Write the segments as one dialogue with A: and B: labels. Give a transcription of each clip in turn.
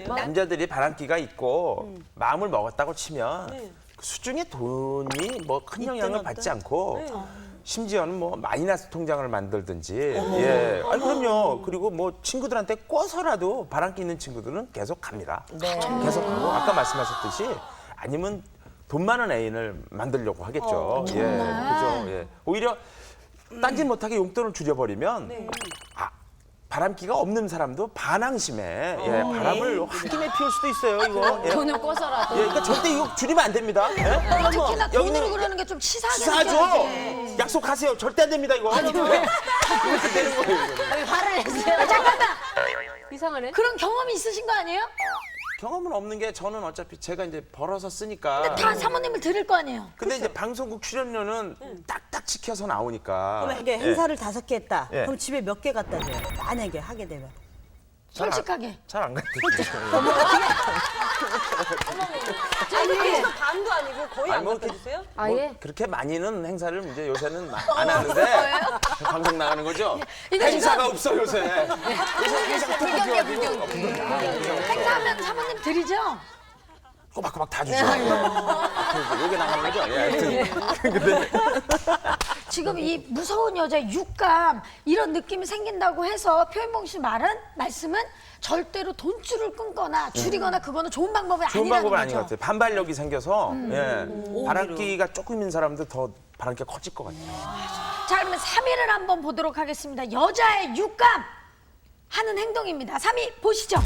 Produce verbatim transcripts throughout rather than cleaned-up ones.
A: 남자들이 바람기가 있고 음. 마음을 먹었다고 치면 네. 그 수중에 돈이 뭐 큰 영향을 받지 않고 네. 심지어는 뭐 마이너스 통장을 만들든지 어머. 예, 아니 그럼요. 그리고 뭐 친구들한테 꿔서라도 바람기 있는 친구들은 계속 갑니다. 네. 계속 가고 아까 말씀하셨듯이 아니면 돈 많은 애인을 만들려고 하겠죠. 어, 예, 그죠. 예. 오히려 딴짓 못하게 용돈을 줄여버리면 네. 아, 바람기가 없는 사람도 반항심에 예, 어, 바람을 홧김에 피울 수도 있어요. 이거 예.
B: 돈을 꿔서라도.
A: 예, 그러니까 절대 이거 줄이면 안 됩니다. 예?
C: 특히나 돈으로 그러는 게 좀 치사하게
A: 치사하죠.
C: 느껴지지.
A: 약속하세요. 절대 안 됩니다 이거. 아니, 왜? 그렇게 되는 거예요. 이거는.
B: 화를 내세요.
C: 잠깐만.
B: 이상하네.
C: 그런 경험이 있으신 거 아니에요?
A: 경험은 없는 게 저는 어차피 제가 이제 벌어서 쓰니까.
C: 근데 다 사모님을 들을 거 아니에요?
A: 근데 이제 방송국 출연료는 딱딱 지켜서 나오니까.
D: 만약에
A: 예.
D: 행사를 다섯 개 했다.
A: 예.
D: 그럼 집에 몇 개 갖다 줘요? 만약에 하게 되면.
C: 솔직하게.
A: 잘 안 갔대.
E: 아니, 반도 아니고 거의
A: 아니,
E: 안
A: 뭐
E: 갖다
A: 이렇게-
E: 주세요?
A: 뭐
B: 아예?
A: 그렇게 많이는 행사를 이제 요새는 마- 안 하는데 방송 나가는 거죠?
C: 이거
A: 행사가 없어 요새. 요새 행사가 또 필요하고
C: 행사하면 사모님 드리죠?
A: 꼬박꼬박 다 주죠. 여기 나가는 거죠? 예, 하여튼. 근데
C: 지금 이 무서운 여자의 육감 이런 느낌이 생긴다고 해서 표현봉 씨 말은 말씀은 절대로 돈줄을 끊거나 줄이거나 그거는 좋은 방법이
A: 좋은
C: 아니라는
A: 방법은 아닌 것
C: 거죠.
A: 같아요. 반발력이 생겨서 예, 바람기가 조금인 사람도 더 바람기가 커질 것 같아요.
C: 자 그러면 삼 위를 한번 보도록 하겠습니다. 여자의 육감 하는 행동입니다. 삼 위 보시죠.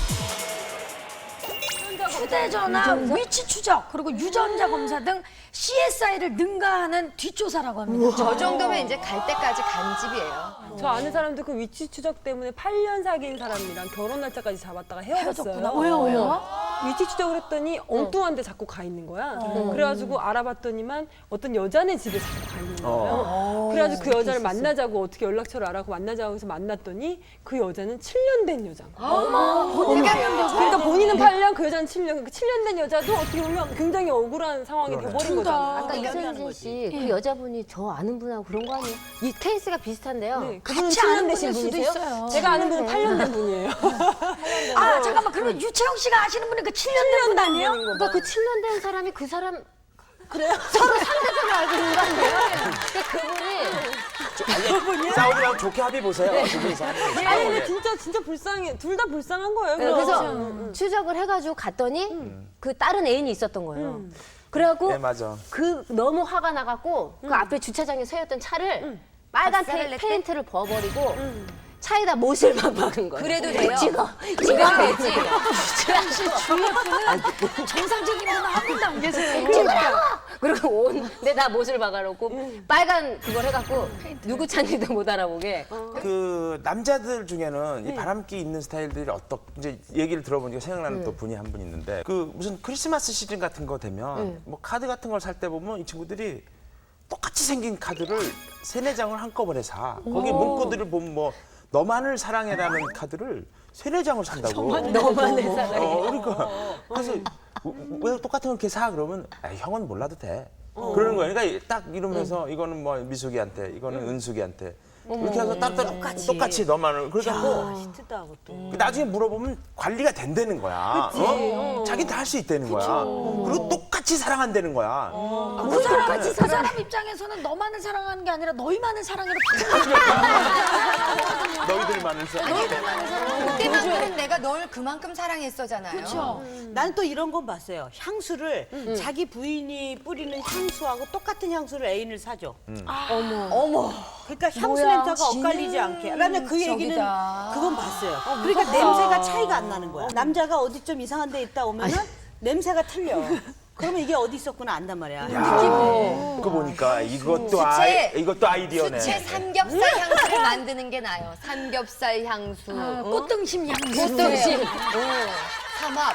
C: 휴대전화 위치 추적 그리고 유전자 검사 등 씨에스아이를 능가하는 뒷조사라고 합니다.
B: 저 정도면 이제 갈 때까지 간집이에요.
E: 저 아는 사람도 그 위치 추적 때문에 팔 년 사귄 사람이랑 결혼 날짜까지 잡았다가 헤어졌어요.
C: 헤어졌구나. 왜요, 왜요?
E: 위치 추적을 했더니 엉뚱한 데 자꾸 가 있는 거야. 그래가지고 알아봤더니만 어떤 여자네 집에 자꾸 가 있는 거예요. 그래가지고 그 여자를 만나자고 어떻게 연락처를 알아고 만나자고 해서 만났더니 그 여자는 칠 년 된 여자인 거야. 그러니까 본인은 팔 년, 그 여자는 칠 년. 그러니까 칠 년 된 여자도 어떻게 보면 굉장히 억울한 상황이 돼버린 거잖아.
B: 아까 이선진 씨, 그 여자분이 저 아는 분하고 그런 거 아니에요? 이 케이스가 비슷한데요.
E: 네, 그분은
C: 같이
E: 칠 년
C: 아는
E: 되신
C: 분일 수도
E: 분이세요?
C: 있어요.
E: 제가 아는 분은 팔 년 된 분이에요.
C: 아 잠깐만 그러면 유채영 씨가 아시는 분이 그 칠 년 된 분 아니에요?
B: 그러니까 그 칠 년 된 사람이 그 사람 그래요? 서로 상대적으로 알고 있는 거 아니에요? 그러니까 그분이
A: 아니, 싸우지 말고 좋게 합의 보세요. 두 분이서.
E: 아니 근데 진짜 진짜 불쌍해. 둘 다 불쌍한 거예요.
B: 네, 그래서 추적을 해가지고 갔더니 그 다른 애인이 있었던 거예요. 그래갖고
A: 네, 맞아.
B: 그 너무 화가 나갖고 그 앞에 주차장에 세웠던 차를 빨간 페, 페인트를 버버리고 차에다 못을만 박은 거예요.
F: 그래도 돼요?
B: 찍어. 찍으면 되지.
C: 사실 주위에 분은 정상적인 분은 한 분도 안 계세요.
B: 찍으라고! 그리고 온 데다 못을 박아놓고 빨간 그걸 해갖고 누구 차인지도 못 알아보게.
A: 그 남자들 중에는 이 바람기 있는 스타일들이 어떻 이제 얘기를 들어보니까 생각나는 또 분이 한 분 있는데 그 무슨 크리스마스 시즌 같은 거 되면 뭐 카드 같은 걸 살 때 보면 이 친구들이 똑같이 생긴 카드를 세네 장을 한꺼번에 사. 거기 문구들을 보면 뭐 너만을 사랑해라는 카드를 세네 장을 산다고.
B: 너만을 사랑해.
A: 어, 그러니까 그래서 왜 똑같은 걸 이렇게 사 그러면 아, 형은 몰라도 돼. 그러는 거예요. 그러니까 딱 이러면서 이거는 뭐 미숙이한테, 이거는 은숙이한테 이렇게 해서 따로 똑같이, 똑같이 너만을 그러니까 뭐
D: 히트다 그것도.
A: 나중에 물어보면 관리가 된다는 거야. 어? 자기 다 할 수 있다는 거야. 그리고 똑같이 사랑한다는 거야.
C: 그 사람, 그 사람 입장에서는 너만을 사랑하는 게 아니라 너희만을 사랑해로 바꾸는 거야.
A: 너희들만을 사랑.
F: 그때만큼은 내가 널 그만큼 사랑했어잖아요.
C: 그렇죠.
D: 나는 또 이런 건 봤어요. 향수를 자기 부인이 뿌리는 향수하고 똑같은 향수를 애인을 사줘. 어머. 어머. 그러니까 향수 냄새가 엇갈리지 않게. 나는 그 얘기는
F: 저기다.
D: 그건 봤어요. 그러니까 냄새가 차이가 안 나는 거야. 남자가 어디 좀 이상한 데 있다 오면은 냄새가 틀려. 그러면 이게 어디 있었구나 안단 말이야.
A: 야, 그거 보니까 이것도 아이, 이것도 아이디어네.
F: 수채 삼겹살 향수를 만드는 게 나아요. 삼겹살 향수.
C: 어, 꽃등심 향수.
F: 꽃등심. 삼합.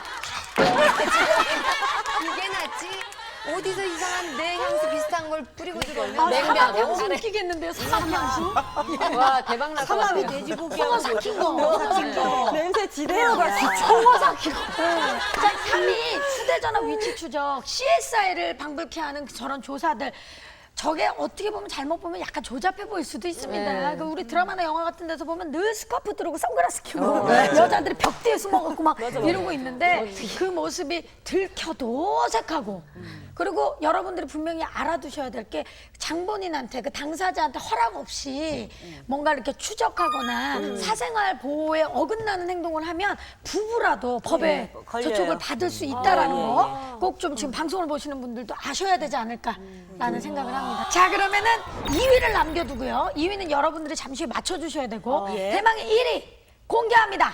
F: 그게 낫지. 어디서 이상한 내 향수 비슷한 걸 뿌리고 들어오면
C: 아,
F: 냉면
C: 사막 향수
F: 향수를.
C: 웃기겠는데요, 사막 향수?
B: 와 대박 날 것
D: 삼합이
B: 같아요.
D: 돼지고기하고
C: 삭힌 거. 삭힌 거.
E: 냄새 지대로 가.
C: 청어 삭힌 거. 자, 삼 위 휴대전화 위치 추적, 씨에스아이를 방불케 하는 저런 조사들. 저게 어떻게 보면 잘못 보면 약간 조잡해 보일 수도 있습니다.
B: 네.
C: 그 우리 드라마나 영화 같은 데서 보면 늘 스카프 들고 선글라스 끼고 여자들이 벽 뒤에 숨어갖고 막 이러고 있는데 그 모습이 들켜도 어색하고 그리고 여러분들이 분명히 알아두셔야 될 게 장본인한테 그 당사자한테 허락 없이 뭔가 이렇게 추적하거나 사생활 보호에 어긋나는 행동을 하면 부부라도 법에
D: 걸려요.
C: 저촉을 받을 수 있다라는 거 꼭 좀 지금 방송을 보시는 분들도 아셔야 되지 않을까라는 생각을 합니다. 자 그러면은 이 위를 남겨두고요. 이 위는 여러분들이 잠시 후에 맞춰주셔야 되고
D: 예.
C: 대망의 일 위 공개합니다.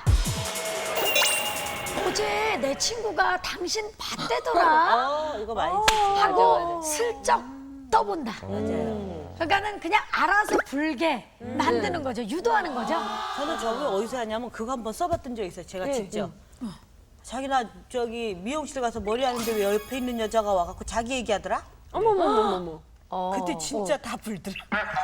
C: 어제 내 친구가 당신 봤대더라
D: 어, 이거 많이 쓰지.
C: 하고 슬쩍 떠본다.
D: 맞아요.
C: 그러니까는 그냥 알아서 불게 만드는 거죠. 유도하는 거죠.
D: 저는 저거 어디서 하냐면 그거 한번 써봤던 적 있어요. 제가 직접. 자기나 저기 미용실 가서 머리 하는데 왜 옆에 있는 여자가 와갖고 자기 얘기하더라?
E: 어머머머머머.
D: 그때 진짜 다 불더라.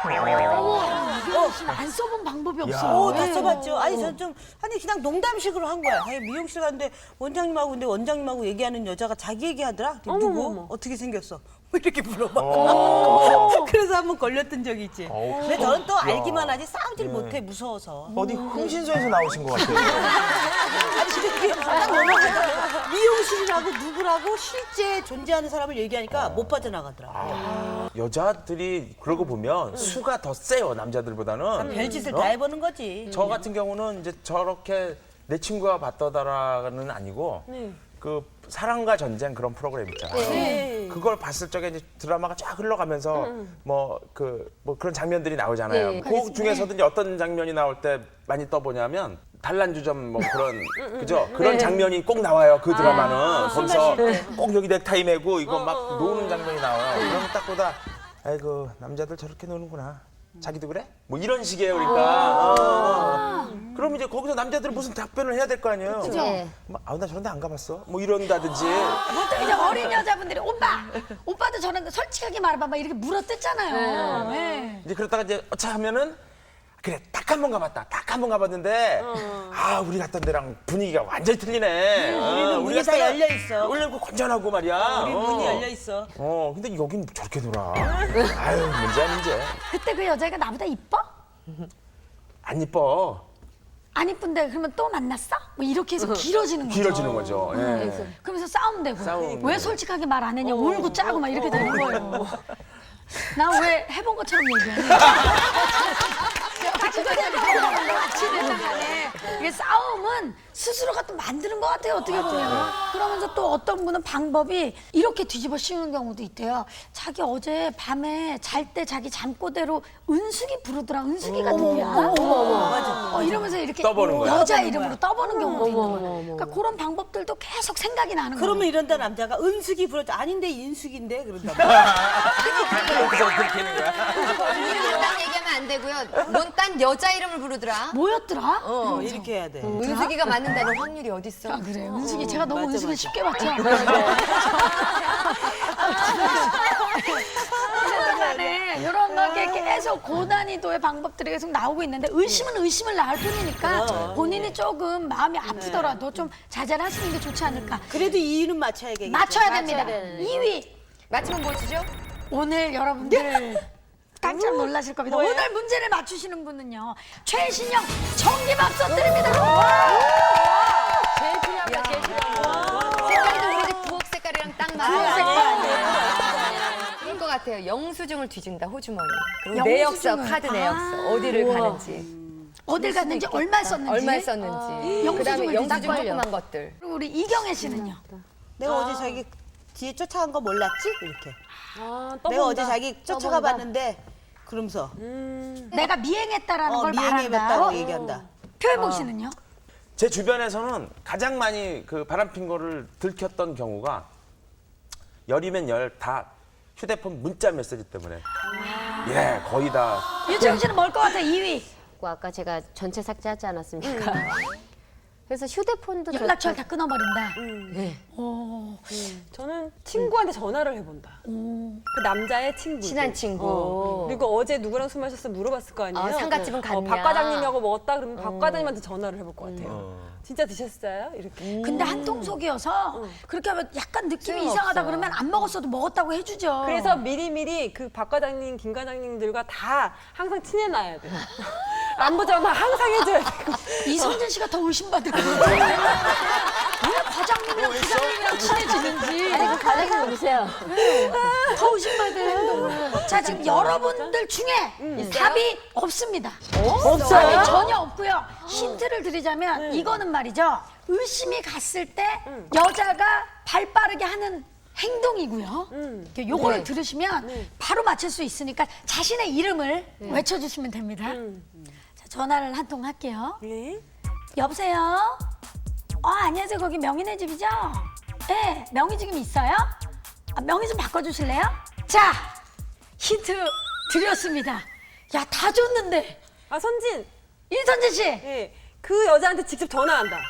C: 어, 안 써본 방법이 없어.
D: 오, 다 써봤죠. 아니, 전 좀, 아니, 그냥 농담식으로 한 거야. 아니, 미용실 갔는데 원장님하고, 근데 원장님하고 얘기하는 여자가 자기 얘기하더라? 그랬더니 누구?
E: 어머머머.
D: 어떻게 생겼어? 뭐 이렇게 물어봐. 그래서 한번 걸렸던 적이 있지. 근데 저는 또 알기만 하지 싸우질 못해, 무서워서.
G: 어디 흥신소에서 나오신 것 같아요.
D: 아니, 근데 딱 넘어가더라고. 미용실이라고 누구라고 실제 존재하는 사람을 얘기하니까 못 빠져나가더라고.
A: 여자들이 그러고 보면 수가 더 세요 남자들보다는.
D: 별짓을
A: 어?
D: 다 해보는 거지.
A: 저 같은 경우는 이제 저렇게 내 친구가 봤더라는 아니고 그 사랑과 전쟁 그런 프로그램 있잖아요.
D: 네.
A: 그걸 봤을 적에 이제 드라마가 쫙 흘러가면서 뭐 그 뭐 그런 장면들이 나오잖아요.
B: 네,
A: 그 중에서도 이제 어떤 장면이 나올 때 많이 떠보냐면 단란주점 뭐 그런 그죠? 그런 장면이 꼭 나와요. 그 드라마는 거기서 꼭 여기 넥타이 매고 이거 막 노는 장면이 나와요. 그러면 딱 보다 아이고 남자들 저렇게 노는구나. 자기도 그래? 뭐 이런 식이에요, 그러니까. 어. 그럼 이제 거기서 남자들은 무슨 답변을 해야 될 거 아니에요?
B: 그죠? 네.
A: 막, 아우, 나 저런 데 안 가봤어? 뭐 이런다든지.
C: 보통 이제 어린 여자분들이 오빠, 오빠도 저런 거 솔직하게 말해봐 막 이렇게 물어뜯잖아요. 네.
A: 이제 그러다가 이제 어차 하면은 그래, 딱 한 번 가봤다. 딱 한 번 가봤는데 아, 우리 갔던 데랑 분위기가 완전히 틀리네. 어,
D: 우리는 문이 다 열려 있어.
A: 열려있고 건전하고 말이야.
D: 우리
A: 어.
D: 문이 열려 있어.
A: 어, 근데 여긴 저렇게 놀아. 아유, 문제야, 문제.
C: 그때 그 여자애가 나보다 이뻐?
A: 안 이뻐.
C: 안 이쁜데 그러면 또 만났어? 뭐 이렇게 해서 길어지는 거죠.
A: 길어지는 거죠. 예.
C: 그러면서 싸움 되고
A: 싸움.
C: 왜 솔직하게 말 안 했냐 울고 짜고 막 이렇게 되는 거예요. 나 왜 해본 것처럼 얘기해? 같이 이게 싸움은 스스로가 또 만드는 것 같아요 어떻게 보면. 그러면서 또 어떤 분은 방법이 이렇게 뒤집어 씌우는 경우도 있대요. 자기 어제 밤에 잘 때 자기 잠꼬대로 은숙이 부르더라. 은숙이가 누구야? 어, 이러면서 이렇게
A: 떠보는 거야.
C: 여자 이름으로 떠보는 경우도 있는 거예요. 그러니까 그런 방법들도 계속 생각이 나는 거예요.
D: 그러면 이런다 남자가 은숙이 불렀죠. 아닌데 인숙인데 그런다.
A: 여기서 그렇게 하는 거야.
F: 이름을 딴 얘기하면 안 되고요. 넌 딴 여자 이름을 부르더라.
C: 뭐였더라?
D: 어, 이렇게 해야 돼.
F: 은숙이가 맞는다는 확률이 어딨어?
C: 아, 그래. 은숙이 제가 너무
D: 맞아,
C: 은숙이를
D: 맞아.
C: 쉽게 봤죠? 간에 이런 게 계속 고난이도의 방법들이 계속 나오고 있는데 의심은 의심을 낳을 뿐이니까 본인이 조금 마음이 아프더라도 좀 자제를 하시는 게 좋지 않을까.
D: 그래도 이유는 맞춰야겠죠.
C: 맞춰야 됩니다.
B: 되는.
C: 이 위.
F: 맞추면 뭐 주죠?
C: 오늘 여러분들 깜짝 놀라실 겁니다. 오늘 문제를 맞추시는 분은요. 최신형 전기밥솥 드립니다.
B: 제일 필요한 거 제일 필요한 거.
F: 색깔도 우리 집 부엌 색깔이랑 딱 맞아요. 그럴 것 같아요. 영수증을 뒤진다, 호주머니. 그리고 내역서,
C: 영수증을.
F: 카드 내역서. 어디를 가는지.
C: 어딜 갔는지 얼마 썼는지.
F: 얼마 썼는지.
C: 영수증을
F: 그다음에 영수증
C: 뒤진다.
F: 조그만 것들.
C: 그리고 우리 이경애 씨는요.
D: 내가 어제 자기 뒤에 쫓아간 거 몰랐지? 이렇게.
E: 아,
D: 내가
E: 떠본다.
D: 어제 자기 쫓아가 봤는데 그러면서
C: 내가 미행했다라는
D: 어,
C: 걸 말한다.
D: 미행해봤다고 얘기한다.
C: 표현복 씨는요?
A: 제 주변에서는 가장 많이 그 바람핀 거를 들켰던 경우가 열이면 열 다 휴대폰 문자 메시지 때문에. 예, 거의 다.
C: 유채영 씨는 뭘 것 같아? 이 위.
B: 아까 제가 전체 삭제하지 않았습니까? 그래서 휴대폰도
C: 연락처를 다 끊어버린다.
E: 저는 친구한테 전화를 해본다. 그 남자의 친구.
B: 친한 친구.
E: 그리고 어제 누구랑 술 마셨어 물어봤을 거 아니에요.
B: 어, 상갓집은
E: 어,
B: 갔냐.
E: 박 과장님하고 먹었다 그러면 박 과장님한테 전화를 해볼 것 같아요. 진짜 드셨어요? 이렇게.
C: 근데 한 통 속이어서 그렇게 하면 약간 느낌이 이상하다 그러면 안 먹었어도 먹었다고 해주죠.
E: 그래서 미리미리 그 박 과장님, 김 과장님들과 다 항상 친해놔야 돼요. 안부 전화 항상 해줘야 되고.
C: 이성진 씨가 더 의심받을 것 같아요. 왜 과장님이랑 부장님이랑 친해지는지.
B: 아니 그 과장님 누구세요?
C: 더 의심받아요. 자, 지금 여러분들 중에 답이 없습니다. 없어요? 답이 전혀 없고요. 힌트를 드리자면 이거는 말이죠. 의심이 갔을 때 여자가 발 빠르게 하는 행동이고요. 이렇게 요거를
B: 네.
C: 들으시면 바로 맞힐 수 있으니까 자신의 이름을 외쳐주시면 됩니다. 자, 전화를 한 통 할게요.
E: 네.
C: 여보세요? 어, 안녕하세요. 거기 명희네 집이죠? 네, 명희 지금 있어요? 아, 명희 좀 바꿔주실래요? 자, 힌트 드렸습니다. 야, 다 줬는데.
E: 아 선진.
C: 이선진 씨.
E: 예. 그 여자한테 직접 전화한다.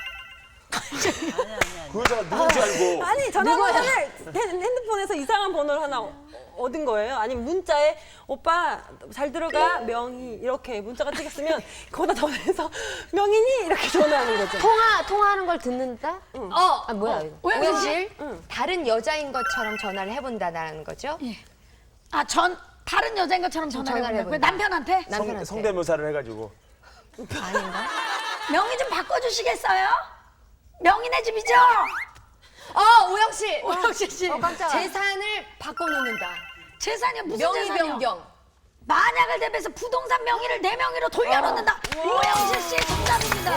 A: 그 여자가 누군지 알고.
E: 아니 전화번호를 핸드폰에서 이상한 번호를 하나 얻은 거예요. 아니면 문자에 오빠 잘 들어가 명희 이렇게 문자가 찍혔으면 거기다 전화해서 명희니 이렇게 전화하는 거죠.
B: 통화 통화하는 걸 듣는다?
F: 어,
B: 아 뭐야 이거?
C: 오영실?
F: 다른 여자인 것처럼 전화를 해본다는 거죠?
C: 아, 전 다른 여자인 것처럼 전화를
B: 전화를
C: 해본다고요?
B: 해본다.
C: 남편한테?
A: 성,
B: 남편한테.
A: 성대묘사를 해가지고.
C: 명희 좀 바꿔주시겠어요? 명희네 집이죠?
F: 어, 오영 씨.
C: 오영실 씨.
B: 어 깜짝아.
F: 재산을 바꿔놓는다.
C: 재산이 무슨
F: 명의
C: 재산이요?
F: 변경.
C: 만약을 대비해서 부동산 명의를 내 명의로 돌려놓는다. 오영실 씨의 정답입니다.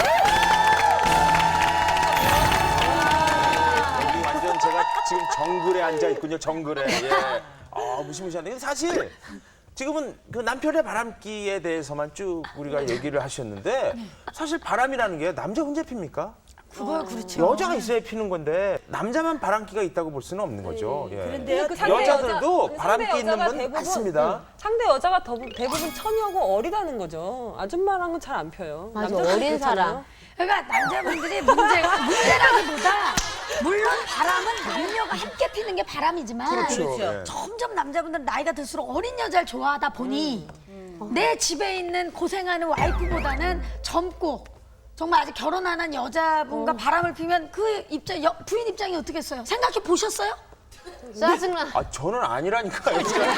A: 여기 완전 제가 지금 정글에 앉아 있군요. 정글에. 예. 아 무시무시한데. 근데 사실 지금은 그 남편의 바람기에 대해서만 쭉 우리가 얘기를 하셨는데 사실 바람이라는 게 남자 혼자 핍니까?
C: 그거야, 그렇죠.
A: 여자가 있어야 피는 건데 남자만 바람기가 있다고 볼 수는 없는 거죠. 예.
D: 그런데요,
E: 그 상대
A: 여자들도
E: 여자-
A: 바람기
E: 상대
A: 있는
E: 여자가
A: 분
E: 대부분,
A: 많습니다.
E: 응. 상대 여자가 더, 대부분 처녀고 어리다는 거죠. 아줌마랑은 잘 안 펴요.
B: 맞아,
E: 남자들은
B: 어린
E: 그렇잖아요.
B: 사람.
C: 그러니까 남자분들이 문제가 문제라기보다 물론 바람은 남녀가 함께 피는 게 바람이지만
A: 그렇죠. 예.
C: 점점 남자분들은 나이가 들수록 어린 여자를 좋아하다 보니 내 집에 있는 고생하는 와이프보다는 젊고 정말 아직 결혼 안 한 여자분과 바람을 피면 그 입장 여- 부인 입장이 어떻겠어요? 생각해 보셨어요?
B: 짜증나.
A: 아 저는 아니라니까요.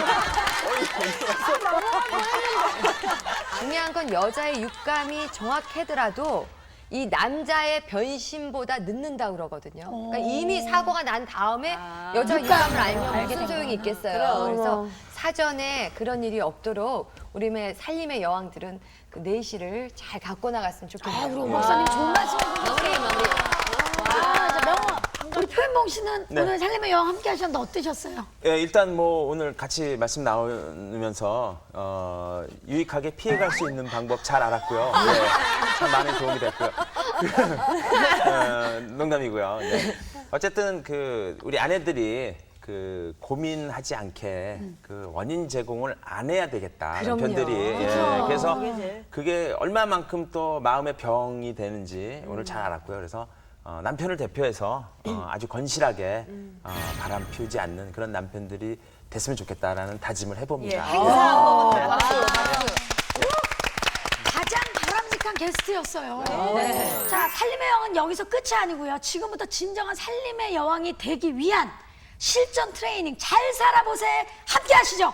F: 중요한 건 여자의 육감이 정확하더라도 이 남자의 변심보다 늦는다 그러거든요. 그러니까 이미 사고가 난 다음에 여자 육감을 알면 무슨 소용이 있겠어요. 그래서 사전에 그런 일이 없도록 우리의 살림의 여왕들은 그 내실을 잘 갖고 나갔으면 좋겠네요.
C: 아, 우리 오 박사님 좋은 말씀 해주셨어요.
F: 마무리 마무리.
C: 아, 자, 명호, 우리 표현봉 씨는
A: 네.
C: 오늘 살림의 여왕 함께 하셨는데 어떠셨어요?
A: 예, 일단 뭐 오늘 같이 말씀 나누면서 어, 유익하게 피해갈 수 있는 방법 잘 알았고요. 예, 참 많은 도움이 됐고요. 어, 농담이고요. 네. 어쨌든 그 우리 아내들이 그 고민하지 않게 그 원인 제공을 안 해야 되겠다. 남편들이. 예, 그래서 그게 얼마만큼 또 마음의 병이 되는지 오늘 잘 알았고요. 그래서 어, 남편을 대표해서 어, 아주 건실하게 어, 바람 피우지 않는 그런 남편들이 됐으면 좋겠다라는 다짐을 해봅니다.
C: 가장 바람직한 게스트였어요. 자, 살림의 여왕은 여기서 끝이 아니고요. 지금부터 진정한 살림의 여왕이 되기 위한 실전 트레이닝 잘 살아보세 함께 하시죠.